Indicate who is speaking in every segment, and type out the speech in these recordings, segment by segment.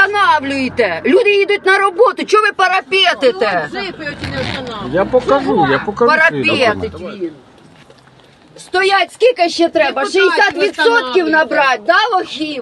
Speaker 1: останавлюєте? Люди їдуть на роботу, чого ви парапетите?
Speaker 2: Я покажу
Speaker 1: Парапетить він. Стоять скільки ще треба? 60% набрати, да, лохів?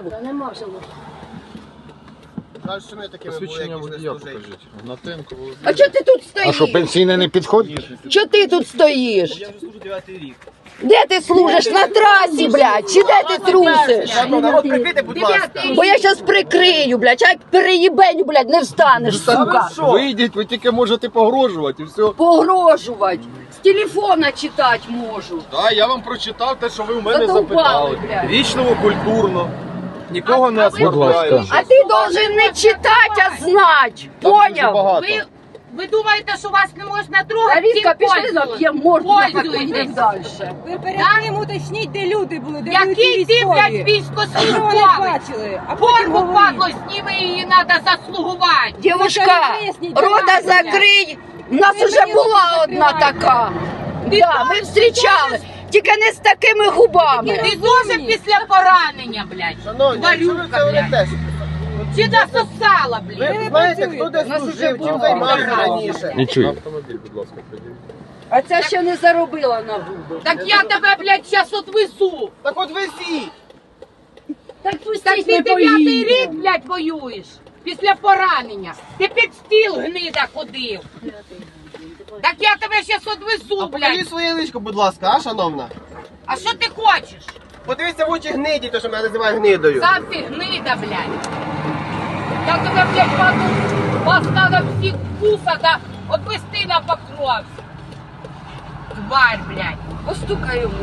Speaker 2: Посвідчення водія покажіть. Гнатенко Володимир.
Speaker 1: А чого ти тут
Speaker 3: А
Speaker 1: стоїш?
Speaker 3: що, пенсійне не підходить?
Speaker 1: Чого ти тут стоїш?
Speaker 4: Я вже служу 9-й рік.
Speaker 1: Де ти служиш? На трасі, блядь? Чи де ти трусиш?
Speaker 4: Народ, прикрийте, будь ласка.
Speaker 1: Бо я щас прикрию, блядь, а як переїбеню, блядь, не встанеш, сука.
Speaker 2: Вийдіть, ви тільки можете погрожувати і все.
Speaker 1: Погрожувати. З телефона читати можу.
Speaker 2: Так, я вам прочитав те, що ви у мене
Speaker 1: Задовбали,
Speaker 2: запитали.
Speaker 1: блядь.
Speaker 2: Вічливо, культурно. Нікого не оскорбляю.
Speaker 1: А ти должен не читати, а знати. Поняв?
Speaker 5: Ви думаєте, що вас не можна трогати?
Speaker 1: Аліска,
Speaker 5: Цим
Speaker 1: пішли нап'ємо, можна
Speaker 5: Пользуйтесь.
Speaker 1: поїдемо далі.
Speaker 6: Ви перед тим уточніть, де люди були, де були
Speaker 5: Який
Speaker 6: ті
Speaker 5: ти, блядь,
Speaker 6: військові. Що вони
Speaker 5: військовослужбовець?
Speaker 6: бачили, а потім
Speaker 5: Форму
Speaker 6: говоріть.
Speaker 5: падло, зніми її, треба заслугувати.
Speaker 1: Дівушка, рота закрий. У нас уже була одна така. Да, ми зустрічали. Тільки не з такими губами.
Speaker 5: Ти дуже після поранення, блядь.
Speaker 4: Шановні, що ви
Speaker 5: Тварюка,
Speaker 4: це
Speaker 5: блядь.
Speaker 4: ведете?
Speaker 5: Чи насосала, блядь?
Speaker 4: Ви знаєте, хто де служив, чим займався раніше?
Speaker 3: Не чую.
Speaker 2: Автомобіль, будь ласка, приділіть.
Speaker 1: А ця ще не заробила на губи.
Speaker 5: Так я тебе, блядь, зараз отвезу.
Speaker 4: Так от везіть!
Speaker 1: Так
Speaker 5: Так
Speaker 1: пустіть,
Speaker 5: ти
Speaker 1: ми
Speaker 5: 9-й рік,
Speaker 1: поїдемо.
Speaker 5: блядь, воюєш. Після поранення. Ти під стіл гнида ходив. Так я тебе зараз отвезу,
Speaker 4: Покажіть
Speaker 5: блядь.
Speaker 4: своє личко, будь ласка, а, шановна?
Speaker 5: А що ти хочеш?
Speaker 4: Подивіться в очі гниді, то що мене називає гнидою.
Speaker 5: Сам ти гнида, блядь. Я тебе, блядь, паду, вас надо всіх кусати, отвести на Покровськ. Тварь, блядь.
Speaker 1: Постукай йому.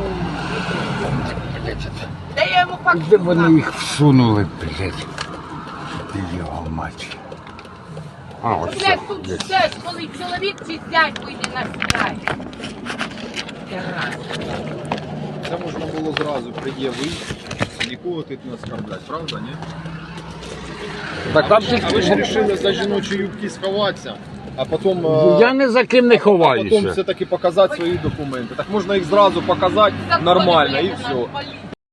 Speaker 5: Та я йому
Speaker 3: Де вони
Speaker 5: покусав.
Speaker 3: їх всунули, блядь? Його мать. А, ось це.
Speaker 5: Блядь, тут все, коли чоловік чи зять вийде на связь.
Speaker 2: Це можна було зразу пред'явити, нікого тут не оскорблять, правда, ні?
Speaker 3: Так,
Speaker 2: А ви ж вирішили за жіночі юбки сховатися, а потім...
Speaker 3: я не за ким не
Speaker 2: А потім
Speaker 3: ховаюся.
Speaker 2: все-таки показати свої документи. Так можна їх зразу показати нормально і все.